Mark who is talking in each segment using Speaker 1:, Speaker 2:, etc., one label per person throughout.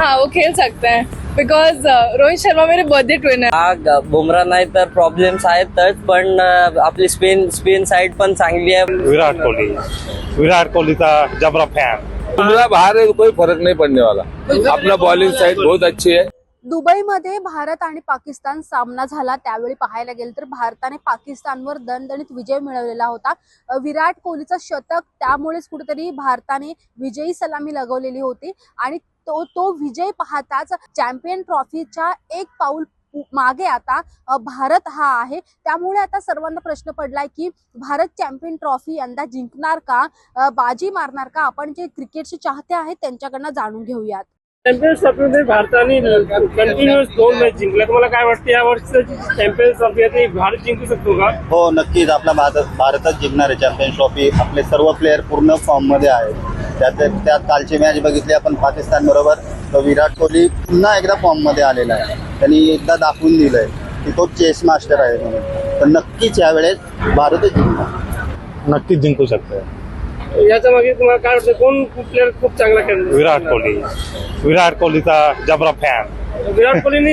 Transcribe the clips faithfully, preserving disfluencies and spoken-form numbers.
Speaker 1: हाँ वो खेल सकते हैं बिकॉज रोहित शर्मा मेरे बर्थडे ट्विन है.
Speaker 2: हा बुमरा नाही तर प्रॉब्लेम्स आहेतच, पण अं, आपली स्पिन स्पिन साइड पण चांगली आहे.
Speaker 3: विराट कोहली विराट कोहलीचा जबरा फॅन.
Speaker 4: बुमरा बाहर है तो कोई फर्क नहीं पड़ने वाला. अपना बॉलिंग साइड बहुत अच्छी है.
Speaker 5: दुबईमध्ये भारत आणि पाकिस्तान सामना झाला त्यावेळी पाहायला गेलं तर भारताने पाकिस्तानवर दणदणीत विजय मिळवलेला होता. विराट कोहलीचं शतक त्यामुळेच कुठेतरी भारताने विजयी सलामी लगवलेली होती आणि तो तो विजय पाहताच चॅम्पियन ट्रॉफीच्या एक पाऊल मागे आता भारत हा आहे. त्यामुळे आता सर्वांना प्रश्न पडलाय की भारत चॅम्पियन ट्रॉफी यंदा जिंकणार का, बाजी मारणार का. आपण जे क्रिकेटचे चाहते आहेत त्यांच्याकडनं जाणून घेऊयात.
Speaker 6: चॅम्पियन्स ट्रॉफीमध्ये भारताने कंटिन्युअस दोन मॅच जिंकल्या. तुम्हाला काय वाटतं या वर्षीची चॅम्पियन्स ट्रॉफी आहे ती भारत जिंकू शकतो का?
Speaker 7: हो नक्कीच आपला भारत भारतच जिंकणार आहे चॅम्पियन्स ट्रॉफी. आपले सर्व प्लेयर पूर्ण फॉर्म मध्ये आहेत. त्यात त्यात कालची मॅच बघितली आपण पाकिस्तान बरोबर, तर विराट कोहली पुन्हा एकदा फॉर्म मध्ये आलेला आहे. त्यांनी एकदा दाखवून दिलंय की तो चेस मास्टर आहे म्हणून. तर नक्कीच यावेळेस भारतच जिंकणार.
Speaker 3: नक्कीच जिंकू शकते.
Speaker 6: याच्या मागे तुम्हाला काय वाटतं कोण प्लेअर खूप चांगला खेळतो?
Speaker 3: विराट कोहली विराट कोहलीचा जबरा फॅन.
Speaker 6: विराट कोहलीने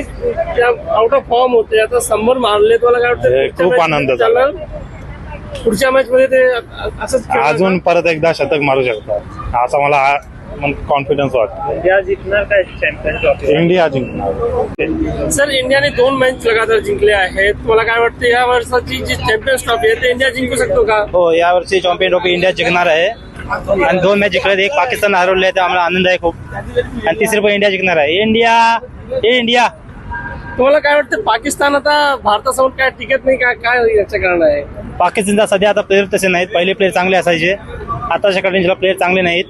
Speaker 6: आउट ऑफ फॉर्म होते, आता शंभर मारले. तुम्हाला काय वाटतं
Speaker 3: खूप आनंद झाला.
Speaker 6: पुढच्या मॅच मध्ये ते असंच
Speaker 3: अजून परत एकदा शतक मारू शकतात असा मला कॉन्फिडन्स वाटतो.
Speaker 6: इंडिया जिंकणार काय चॅम्पियन ट्रॉफी?
Speaker 3: इंडिया जिंकणार.
Speaker 6: सर इंडियाने दोन मॅच लगातार जिंकले आहेत. तुम्हाला काय वाटतं या वर्षाची जी चॅम्पियन्स ट्रॉफी आहे ते इंडिया जिंकू शकतो का?
Speaker 8: हो यावर्षी चॅम्पियन ट्रॉफी इंडिया जिंकणार आहे आणि दोन मॅच जिंकले. एक पाकिस्तान हरवले आहे, आम्हाला आनंद आहे खूप. आणि तिसरी पण इंडिया जिंकणार आहे. इंडिया हे इंडिया.
Speaker 6: तुम्हाला काय वाटतं पाकिस्तान आता भारतासमोर काय टिकत नाही का, काय याचं कारण आहे?
Speaker 8: पाकिस्तानचा सध्या आता प्लेयर तसे नाहीत. पहिले प्लेयर चांगले असायचे, आताच्या कंडिशनला प्लेयर चांगले नाहीत.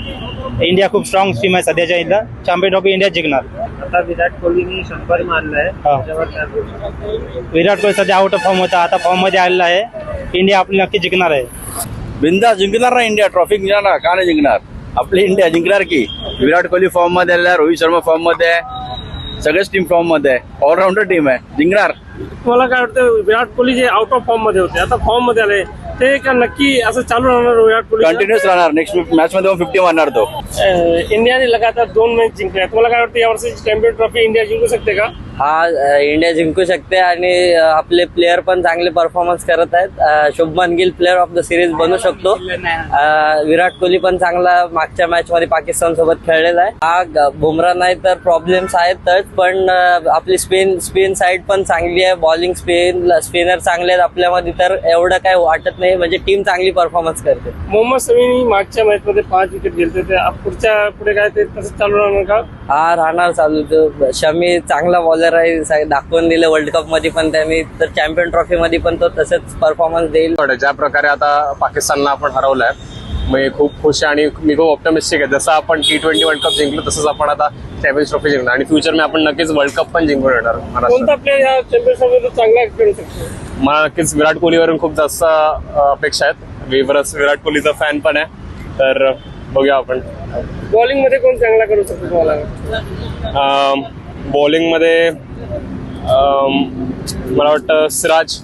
Speaker 8: इंडिया खूप स्ट्रॉंग टीम आहे सध्याच्या इंडिया. चॅम्पियन ट्रॉफी इंडिया जिंकणार.
Speaker 6: आता विराट कोहलीने शंभर मारलाय.
Speaker 8: विराट कोहली सध्या आउट ऑफ फॉर्म होता, आता फॉर्म मध्ये आलेला आहे. इंडिया आपली नक्की जिंकणार आहे.
Speaker 4: बिंदा जिंकणार ना इंडिया. ट्रॉफी जिंकणार का नाही जिंकणार? आपली इंडिया जिंकणार की. विराट कोहली फॉर्म मध्ये आलेला आहे, रोहित शर्मा फॉर्म मध्ये आहे, सगळेच टीम फॉर्म मध्ये आहे. ऑलराऊंडर टीम आहे, जिंकणार.
Speaker 6: तुम्हाला काय वाटतं विराट कोहली जे आउट ऑफ फॉर्म मध्ये होते आता फॉर्म मध्ये आले ते का नक्की असं चालू राहणार? विराट कोहली
Speaker 4: कंटिन्युअस राहणार. नेक्स्ट मॅच मध्ये फिफ्टी मारणार तो.
Speaker 6: इंडियाने लगातार दोन मॅच जिंकल्या. तुम्हाला काय वाटतं या वर्षीची चॅम्पियन ट्रॉफी इंडिया जिंकू शकते का?
Speaker 2: हा इंडिया जिंकू शकते आणि आपले प्लेयर पण चांगले परफॉर्मन्स करत आहेत. Shubman Gill player of the series बनू शकतो. विराट कोहली पण चांगला मागच्या मॅच मध्ये पाकिस्तान सोबत खेळलेला आहे. हा बुमरा नाही तर प्रॉब्लेम्स आहेतच, पण आपली स्पिन स्पिन साइड पण चांगली आहे. बॉलिंग स्पिन स्पिनर चांगले आहेत आपल्यामध्ये, तर एवढं काय वाटत नाही. म्हणजे टीम चांगली परफॉर्मन्स करते.
Speaker 6: मोहम्मद शमीने मागच्या मॅच मध्ये पाच विकेट घेतले. ते पुढच्या पुढे काय ते तसं चालू राहणार का?
Speaker 2: हा राहणार चालू. शमी चांगला बॉलर आहे, दाखवून दिलं वर्ल्ड कप मध्ये पण त्यांनी, तर चॅम्पियन ट्रॉफी मध्ये पण तो तसंच परफॉर्मन्स देईल.
Speaker 9: ज्या प्रकारे आता पाकिस्तानला आपण हरवलंय मी खूप खुश आहे आणि मी खूप ऑप्टिमिस्टिक आहे. जसं आपण टी ट्वेंटी वर्ल्ड कप जिंकलो तसंच आपण आता चॅम्पियन्स ट्रॉफी जिंकणार आणि फ्युचर मध्ये आपण नक्कीच वर्ल्ड कप पण जिंकून येणार.
Speaker 6: कोणता प्लेअर या चॅम्पियन्स ट्रॉफीला चांगला खेळू शकतो?
Speaker 9: मला नक्कीच विराट कोहलीवरून खूप जास्त अपेक्षा आहेत. मी बरंच विराट कोहलीचा फॅन पण आहे, तर बघूया आपण.
Speaker 6: बॉलिंग मध्ये कोण चांगला करू शकतो तुम्हाला?
Speaker 9: बॉलिंग मध्ये मला वाटतं सिराज.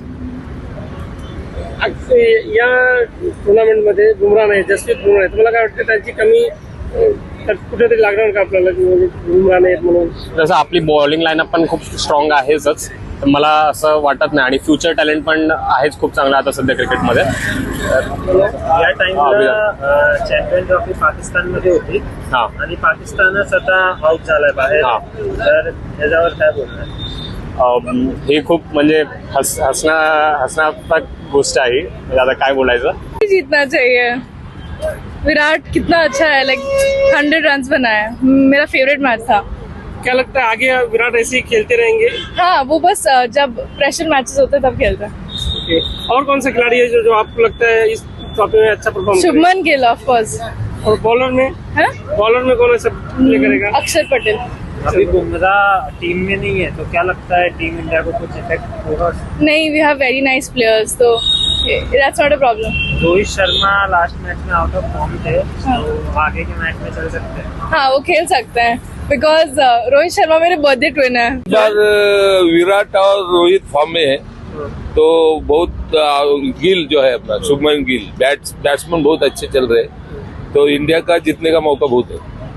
Speaker 6: या टुर्नामेंट मध्ये बुमरा नाही, जसप्रीत बुमरा आहे. तुम्हाला काय वाटतं त्यांची कमी कुठेतरी लागणार का आपल्याला की बुमरा नाही म्हणून?
Speaker 9: जसं आपली बॉलिंग लाईनअप पण खूप स्ट्रॉंग आहेच, तर मला असं वाटत नाही. आणि फ्युचर टॅलेंट पण आहेच खूप चांगला आता सध्या क्रिकेटमध्ये.
Speaker 6: या टाइमला चॅम्पियन ट्रॉफी पाकिस्तान मध्ये होती आणि पाकिस्तानच आता आउट झालाय बाहेर, तर त्याच्यावर काय बोलणार?
Speaker 9: हे खूप म्हणजे हस हसना हसण्यात्मक गोष्ट आहे. आता काय बोलायचं.
Speaker 1: जीतना चाहिए. विराट कितना अच्छा है, लाइक हंड्रेड रन बनाया. मेरा फेवरेट मैच था.
Speaker 6: क्या लगता है आगे विराट ऐसे ही खेलते रहेंगे?
Speaker 1: हाँ वो बस जब प्रेशर मैचेस होते हैं तब खेलते हैं.
Speaker 6: और कौन सा खिलाड़ी है जो जो आपको लगता है इस ट्रॉफी में अच्छा perform?
Speaker 1: Shubman Gill of course.
Speaker 6: और बॉलर में
Speaker 1: है
Speaker 6: बॉलर में कौन ऐसा प्ले करेगा?
Speaker 1: अक्षर पटेल.
Speaker 6: अभी बुमरा टीम में नहीं है, तो क्या लगता है टीम इंडिया को कुछ इफेक्ट होगा?
Speaker 1: नहीं, we have very nice players, तो that's not a problem.
Speaker 6: Rohit Sharma last match में आउट ऑफ फॉर्म थे, तो आगे के मैच में चल सकते हैं?
Speaker 1: हाँ वो खेल सकते हैं बिकॉज रोहित शर्मा मेरे बर्थडे ट्विन है.
Speaker 4: विराट और रोहित फॉर्म में है, तो बहुत गिल जो है अपना शुभमन गिल बैट्स बैट्समैन बहुत अच्छे चल रहे हैं, तो इंडिया का जीतने का मौका बहुत है.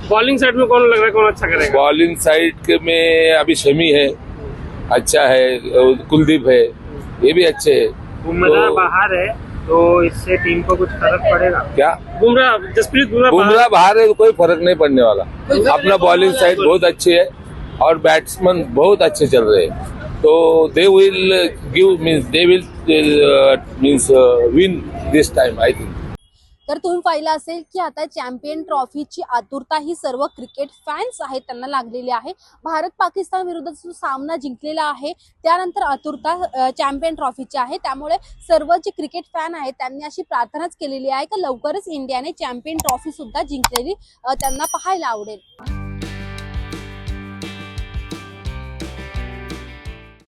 Speaker 6: बॉलिंग साइड में कौन लग रहा है कौन अच्छा करेगा?
Speaker 10: बॉलिंग साइड में अभी शमी है, अच्छा है, कुलदीप है, ये भी अच्छे है।
Speaker 6: बुमराह
Speaker 10: तो-
Speaker 6: बाहर है तो इससे टीम को कुछ फर्क पड़ेगा
Speaker 10: क्या
Speaker 6: बुमराह जसप्रीत बुमराह
Speaker 10: बुमराह बाहर है तो कोई फर्क नहीं पड़ने वाला। अपना बॉलिंग साइड बहुत अच्छी है और बैट्समैन बहुत अच्छे चल रहे हैं, तो they will give means they will means win this time I think.
Speaker 5: तर तुम्ही पाहिलं असेल की आता चॅम्पियन ट्रॉफीची आतुरता ही सर्व क्रिकेट फॅन्स आहेत त्यांना लागलेली आहे। भारत पाकिस्तान विरुद्धचा जो सामना जिंकलेला आहे त्यानंतर आतुरता चॅम्पियन ट्रॉफीची आहे, त्यामुळे सर्व जे क्रिकेट फॅन आहेत त्यांनी अशी प्रार्थनाच केलेली आहे की लवकरच इंडियाने चॅम्पियन ट्रॉफी सुद्धा जिंकलेली त्यांना पाहायला आवडेल।